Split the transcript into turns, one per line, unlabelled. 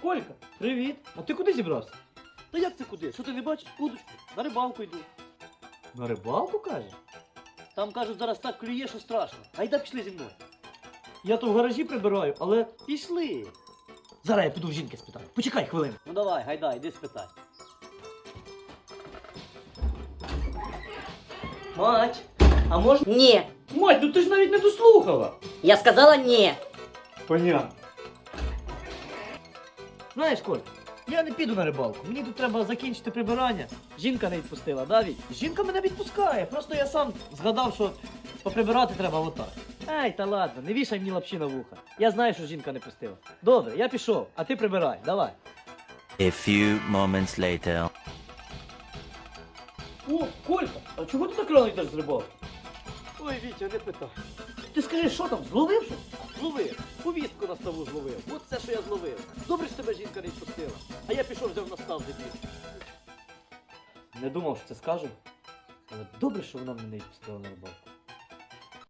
Колька, привіт. А ти куди зібрався?
Та як це куди? Що ти не бачиш? Удочку. На рибалку йду.
На рибалку, кажеш?
Там, кажуть, зараз так клює, що страшно. Гайда пішли зі мною.
Я то в гаражі прибираю, але
Пішли.
зараз я піду в жінки спитаю. Почекай хвилину.
Ну давай, гайда, йди спитай.
Мать, а можна?
Не.
Мать, ну ти ж навіть не дослухала.
Я сказала не.
Понятно. Знаєш, Коль, я не піду на рибалку. Мені тут треба закінчити прибирання.
Жінка не відпустила, да, Віть?
Жінка мене відпускає. Просто я сам згадав, що поприбирати треба отак.
Ай, та ладно, не вішай мені лапші на вуха. Я знаю, що жінка не пустила. Добре, я пішов, а ти прибирай, давай.
A few moments later.
О, Колька, а чого ти так рано йдеш з рибалки?
Ой, Вітя, не питай.
Ти скажи, що там, зловив щось?
Зловив, повістку на ставу зловив. От все, що я зловив. Добре, що тебе жінка не відпустила. А я пішов, взяв на став дебіл.
Не думав, що це скажу. Але добре, що вона мене не відпустила на рибалку.